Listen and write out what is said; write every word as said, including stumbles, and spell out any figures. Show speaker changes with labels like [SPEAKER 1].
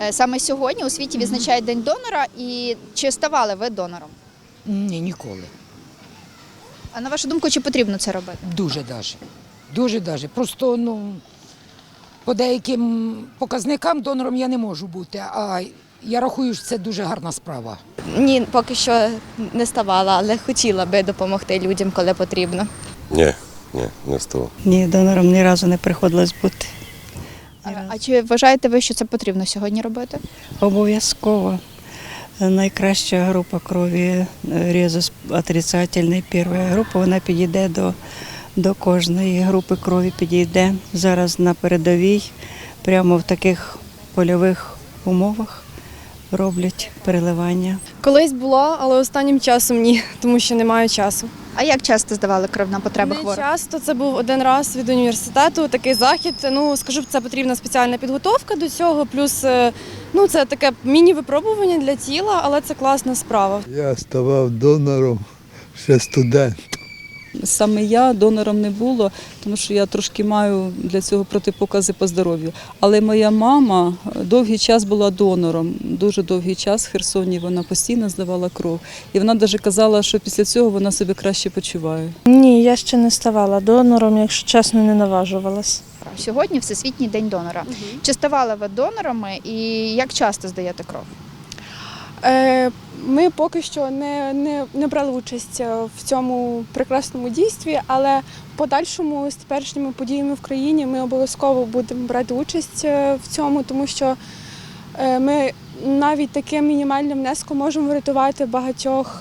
[SPEAKER 1] Саме сьогодні у світі відзначають День донора. І чи ставали ви донором?
[SPEAKER 2] Ні, ніколи.
[SPEAKER 1] А на вашу думку, чи потрібно це робити?
[SPEAKER 2] Дуже даже. Дуже даже. Просто, ну, по деяким показникам донором я не можу бути, а я рахую, що це дуже гарна справа.
[SPEAKER 3] Ні, поки що не ставала, але хотіла би допомогти людям, коли потрібно.
[SPEAKER 4] Ні, ні, не ставав.
[SPEAKER 5] Ні, донором ні разу не приходилось бути.
[SPEAKER 1] А, а чи вважаєте ви, що це потрібно сьогодні робити?
[SPEAKER 5] Обов'язково. Найкраща група крові резус отрицательний, перша група, вона підійде до, до кожної групи крові, підійде зараз на передовій, прямо в таких польових умовах роблять переливання.
[SPEAKER 6] Колись було, але останнім часом ні, тому що не маю часу.
[SPEAKER 1] А як часто здавали кров на потреби
[SPEAKER 6] Не
[SPEAKER 1] хворих?
[SPEAKER 6] часто, це був один раз від університету, такий захід. Ну, скажу, це потрібна спеціальна підготовка до цього, плюс ну, це таке міні-випробування для тіла, але це класна справа.
[SPEAKER 7] Я ставав донором ще студент.
[SPEAKER 8] Саме я донором не було, тому що я трошки маю для цього протипокази по здоров'ю. Але моя мама довгий час була донором, дуже довгий час в Херсоні вона постійно здавала кров. І вона навіть казала, що після цього вона себе краще почуває.
[SPEAKER 9] Ні, я ще не ставала донором, якщо чесно, не наважувалась.
[SPEAKER 1] Сьогодні Всесвітній день донора. Угу. Чи ставали ви донорами і як часто здаєте кров?
[SPEAKER 6] Ми поки що не, не, не брали участь в цьому прекрасному дійстві, але в подальшому з теперішніми подіями в країні ми обов'язково будемо брати участь в цьому, тому що ми навіть таким мінімальним внеском можемо врятувати багатьох